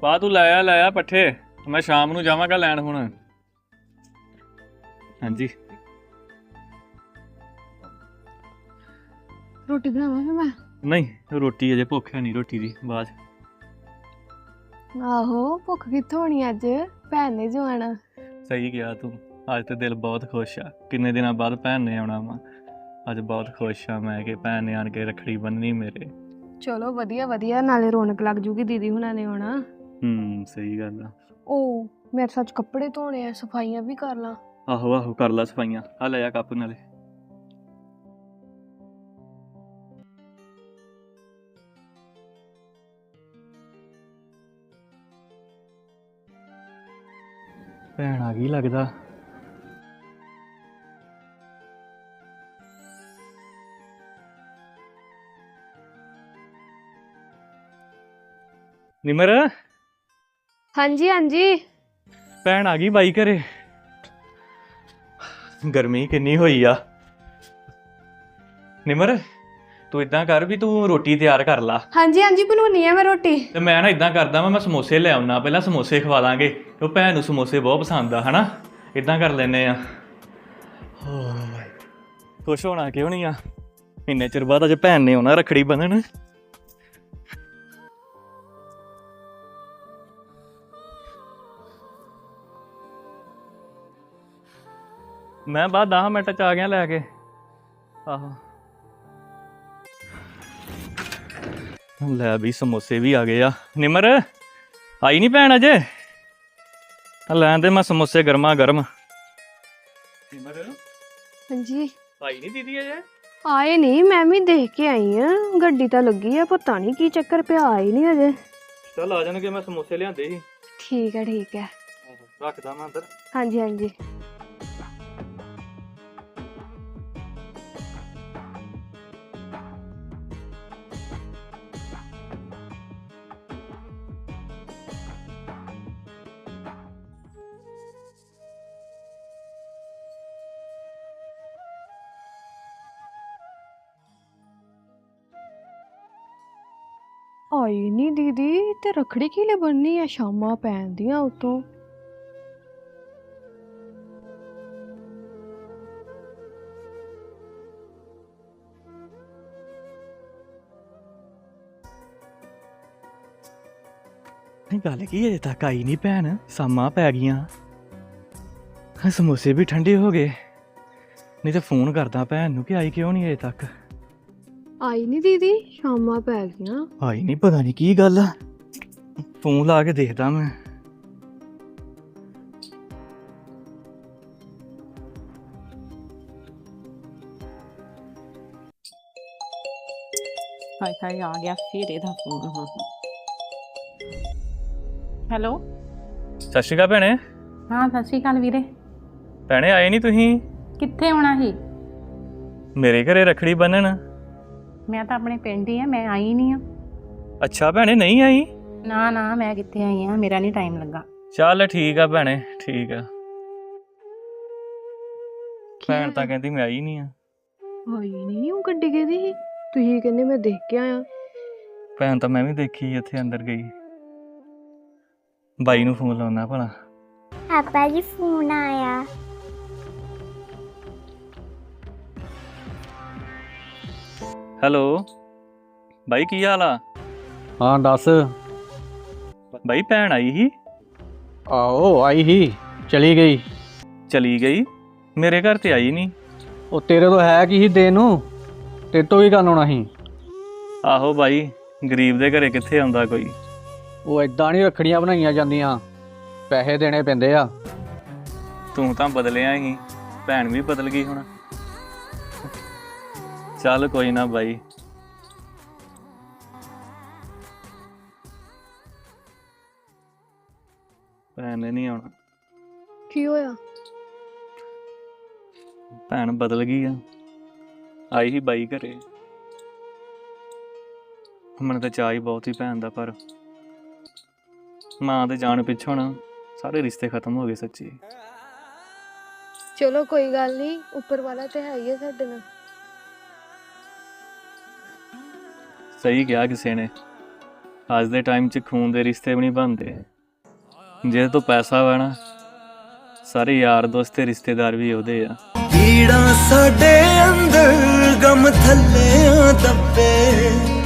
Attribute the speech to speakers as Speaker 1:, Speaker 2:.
Speaker 1: ਪਾ ਤੂੰ ਲਾਇਆ ਪੱਠੇ। ਮੈਂ ਸ਼ਾਮ ਨੂੰ ਜਾਵਾਂਗਾ ਲੈਣ ਹੁਣ। ਹਾਂਜੀ
Speaker 2: ਰੋਟੀ ਬਣਾਵਾਂ ਫਿਰ ਮੈਂ।
Speaker 1: ਨਹੀਂ ਰੋਟੀ ਅਜੇ ਭੁੱਖ ਹੈ ਨਹੀਂ ਰੋਟੀ ਦੀ ਬਾਅਦ।
Speaker 2: ਆਹੋ ਭੁੱਖ ਕਿੱਥੋਂ ਹੋਣੀ ਅੱਜ, ਭੈਣ ਨੇ ਜੋ ਆਣਾ।
Speaker 1: ਸਹੀ ਕਿਹਾ ਤੂੰ, ਅੱਜ ਤੇ ਦਿਲ ਬਹੁਤ ਖੁਸ਼ ਆ। ਕਿੰਨੇ ਦਿਨਾਂ ਬਾਅਦ ਭੈਣ ਨੇ ਆਉਣਾ ਵਾ। ਅੱਜ ਬਹੁਤ ਖੁਸ਼ ਆ ਮੈਂ ਕਿ ਭੈਣ ਨੇ ਆਣ ਕੇ ਰੱਖੜੀ ਬੰਨ੍ਹਣੀ ਮੇਰੇ।
Speaker 2: ਚਲੋ ਵਧੀਆ ਵਧੀਆ, ਨਾਲੇ ਰੌਣਕ ਲੱਗ ਜੂਗੀ, ਦੀਦੀ ਹੁਣਾਂ ਨੇ ਆਉਣਾ।
Speaker 1: ਸਹੀ ਗੱਲ ਆ।
Speaker 2: ਉਹ ਮੇਰੇ ਸੱਚ ਕੱਪੜੇ ਧੋਣੇ ਆ, ਸਫਾਈਆਂ ਵੀ ਕਰ ਲਾਂ।
Speaker 1: ਆਹੋ ਕਰ ਲਾ ਸਫਾਈਆਂ। ਆ ਲੈ ਆ ਕੱਪ ਨਾਲੇ। ਭੈਣ ਆ ਗਈ ਲੱਗਦਾ। ਨਿਮਰ
Speaker 2: ਹਾਂਜੀ ਹਾਂਜੀ।
Speaker 1: ਭੈਣ ਆ ਗਈ ਬਾਈ ਘਰੇ। ਗਰਮੀ ਕਿੰਨੀ ਹੋਈ ਆ। ਨਿਮਰ ਤੂੰ ਇਦਾਂ ਕਰ ਵੀ ਤੂੰ ਰੋਟੀ ਤਿਆਰ ਕਰ ਲਾ।
Speaker 2: ਹਾਂਜੀ ਹਾਂਜੀ ਬਣਾਉਣੀ ਆ ਮੈਂ ਰੋਟੀ।
Speaker 1: ਤੇ ਮੈਂ ਨਾ ਇਦਾਂ ਕਰਦਾ ਮੈਂ ਸਮੋਸੇ ਲੈ ਆਉਣਾ, ਪਹਿਲਾਂ ਸਮੋਸੇ ਖਵਾ ਦਾਂਗੇ। ਉਹ ਭੈਣ ਨੂੰ ਸਮੋਸੇ ਬਹੁਤ ਪਸੰਦ ਆ ਹਨਾ। ਇਦਾਂ ਕਰ ਲੈਨੇ ਆ। ਖੁਸ਼ ਹੋਣਾ ਕਿਉਂ ਨਹੀਂ ਆ। ਇੰਨੇ ਚਿਰ ਬਾਅਦ ਅੱਜ ਭੈਣ ਨੇ ਆਉਣਾ ਰੱਖੜੀ ਬੰਨ੍ਹਣ। ਮੈਂ ਬਾਅਦ 10 ਮਿੰਟ ਚ ਆ ਗਿਆ ਲੈ ਕੇ। ਆਹੋ ਲੈ ਵੀ ਸਮੋਸੇ ਵੀ ਆ ਗਏ ਆ। ਨਿਮਰ ਆਈ ਨਹੀਂ ਭੈਣ ਅਜੇ। ਲੈਣ ਦੇ ਮੈਂ ਸਮੋਸੇ ਗਰਮਾ ਗਰਮ। ਨਿਮਰ
Speaker 2: ਹਾਂਜੀ
Speaker 1: ਆਈ ਨਹੀਂ ਦੀਦੀ ਅਜੇ।
Speaker 2: ਆਏ ਨਹੀਂ, ਮੈਂ ਵੀ ਦੇਖ ਕੇ ਆਈ ਆ। ਗੱਡੀ ਤਾਂ ਲੱਗੀ ਆ, ਪਤਾ ਨਹੀਂ ਕੀ ਚੱਕਰ ਪਿਆ, ਆਏ ਨਹੀਂ ਅਜੇ।
Speaker 1: ਚੱਲ ਆ ਜਾਣਗੇ, ਮੈਂ ਸਮੋਸੇ ਲਿਆਂਦੇ ਸੀ।
Speaker 2: ਠੀਕ ਹੈ ਠੀਕ ਹੈ।
Speaker 1: ਰੱਖਦਾ ਮੈਂ ਅੰਦਰ।
Speaker 2: ਹਾਂਜੀ ਹਾਂਜੀ। ਆਈ ਨਹੀਂ ਦੀਦੀ, ਤੇ ਰੱਖੜੀ ਕਿਹਲੇ ਬੰਨ੍ਹਣੀ ਆ, ਸ਼ਾਮਾਂ ਪੈਂਦੀਆਂ ਉਤੋਂ।
Speaker 1: ਗੱਲ ਕੀ ਅਜੇ ਤੱਕ ਆਈ ਨਹੀਂ ਭੈਣ। ਸ਼ਾਮਾਂ ਪੈ ਗਈਆਂ, ਸਮੋਸੇ ਵੀ ਠੰਡੇ ਹੋ ਗਏ। ਨਹੀਂ ਤੇ ਫੋਨ ਕਰਦਾ ਭੈਣ ਨੂੰ ਕਿ ਆਈ ਕਿਉਂ ਨਹੀਂ ਅਜੇ ਤੱਕ।
Speaker 2: ਆਈ ਨਹੀਂ ਦੀਦੀ, ਸ਼ਾਮਾਂ ਪੈ ਗਈਆਂ।
Speaker 1: ਆਈ ਨਹੀਂ, ਪਤਾ ਨਹੀਂ ਕੀ ਗੱਲ ਆ। ਫੋਨ ਲਾ ਕੇ ਦੇਖਦਾ ਮੈਂ।
Speaker 3: ਹਾਏ ਆ ਗਿਆ ਫਿਰ ਇਹਦਾ ਫੋਨ। ਹਾਂ ਹੈਲੋ।
Speaker 1: ਸਤਿ ਸ਼੍ਰੀ ਅਕਾਲ ਭੈਣੇ।
Speaker 3: ਹਾਂ ਸਤਿ ਸ਼੍ਰੀ ਅਕਾਲ ਵੀਰੇ।
Speaker 1: ਭੈਣੇ ਆਏ ਨਹੀਂ ਤੁਸੀਂ।
Speaker 3: ਕਿੱਥੇ ਆਉਣਾ ਸੀ?
Speaker 1: ਮੇਰੇ ਘਰੇ ਰੱਖੜੀ ਬੰਨਣ।
Speaker 3: ਮੈਂ ਤਾਂ ਆਪਣੇ ਪਿੰਡ ਹੀ ਆ, ਮੈਂ ਆਈ ਨਹੀਂ ਆ।
Speaker 1: ਅੱਛਾ ਭੈਣੇ ਨਹੀਂ ਆਈ।
Speaker 3: ਨਾ ਨਾ ਮੈਂ ਕਿੱਥੇ ਆਈ ਆ, ਮੇਰਾ ਨਹੀਂ ਟਾਈਮ ਲੱਗਾ।
Speaker 1: ਚੱਲ ਠੀਕ ਆ ਭੈਣੇ ਠੀਕ ਆ। ਭੈਣ ਤਾਂ ਕਹਿੰਦੀ ਮੈਂ ਆਈ ਨਹੀਂ ਆ।
Speaker 2: ਆਈ ਨਹੀਂ, ਉਹ ਗੱਡੀ ਕਿਹਦੀ ਸੀ? ਤੁਸੀਂ ਕਹਿੰਦੇ ਮੈਂ ਦੇਖ ਕੇ ਆਇਆ।
Speaker 1: ਭੈਣ ਤਾਂ ਮੈਂ ਵੀ ਦੇਖੀ ਇੱਥੇ ਅੰਦਰ ਗਈ। ਬਾਈ ਨੂੰ ਫੋਨ ਲਾਉਣਾ ਭਲਾ।
Speaker 4: ਪਾਪਾ ਜੀ ਫੋਨ ਆਇਆ।
Speaker 1: ਹੈਲੋ ਬਾਈ ਕੀ ਹਾਲ ਆ?
Speaker 5: ਹਾਂ ਦੱਸ।
Speaker 1: ਬਾਈ ਭੈਣ ਆਈ ਸੀ।
Speaker 5: ਆਹੋ ਆਈ ਹੀ, ਚਲੀ ਗਈ।
Speaker 1: ਚਲੀ ਗਈ? ਮੇਰੇ ਘਰ ਤੇ ਆਈ ਨਹੀਂ।
Speaker 5: ਉਹ ਤੇਰੇ ਤੋਂ ਹੈ ਕੀ ਸੀ ਦੇਣ ਨੂੰ, ਤੇਰੇ ਤੋਂ ਕੀ ਕਰਨ ਆਉਣਾ ਸੀ।
Speaker 1: ਆਹੋ ਬਾਈ, ਗਰੀਬ ਦੇ ਘਰੇ ਕਿੱਥੇ ਆਉਂਦਾ ਕੋਈ।
Speaker 5: ਉਹ ਏਦਾਂ ਨਹੀਂ ਰੱਖੜੀਆਂ ਬਣਾਈਆਂ ਜਾਂਦੀਆਂ, ਪੈਸੇ ਦੇਣੇ ਪੈਂਦੇ ਆ।
Speaker 1: ਤੂੰ ਤਾਂ ਬਦਲਿਆ ਹੀ, ਭੈਣ ਵੀ ਬਦਲ ਗਈ ਹੁਣ। ਚੱਲ ਕੋਈ ਨਾ ਬਾਈ। ਭੈਣ ਨੇ ਨਹੀਂ ਆਉਣਾ।
Speaker 2: ਕੀ ਹੋਇਆ?
Speaker 1: ਭੈਣ ਬਦਲ ਗਈ ਆ। ਆਈ ਸੀ ਬਾਈ ਘਰੇ। ਮੈਨੂੰ ਤਾਂ ਚਾਅ ਹੀ ਬਹੁਤ ਹੀ ਭੈਣ ਦਾ, ਪਰ ਮਾਂ ਦੇ ਜਾਣ ਪਿੱਛੋਂ ਨਾ ਸਾਰੇ ਰਿਸ਼ਤੇ ਖਤਮ ਹੋ ਗਏ ਸੱਚੀ।
Speaker 2: ਚਲੋ ਕੋਈ ਗੱਲ ਨਹੀਂ, ਉੱਪਰ ਵਾਲਾ ਤੇ ਹੈ ਹੀ ਹੈ ਸਾਡੇ ਨਾਲ।
Speaker 1: ਸਹੀ ਕਿਹਾ ਕਿਸੇ ਨੇ, ਅੱਜ ਦੇ ਟਾਈਮ 'ਚ ਖੂਨ ਦੇ ਰਿਸ਼ਤੇ ਵੀ ਨਹੀਂ ਬਣਦੇ। ਜਿਹਦੇ ਤੋਂ ਪੈਸਾ ਵਾ ਨਾ, ਸਾਰੇ ਯਾਰ ਦੋਸਤ ਤੇ ਰਿਸ਼ਤੇਦਾਰ ਵੀ ਉਹਦੇ ਆ।
Speaker 6: ਪੀੜਾਂ ਸਾਡੇ ਅੰਦਰ ਗਮ ਥੱਲੇ ਦੱਬੇ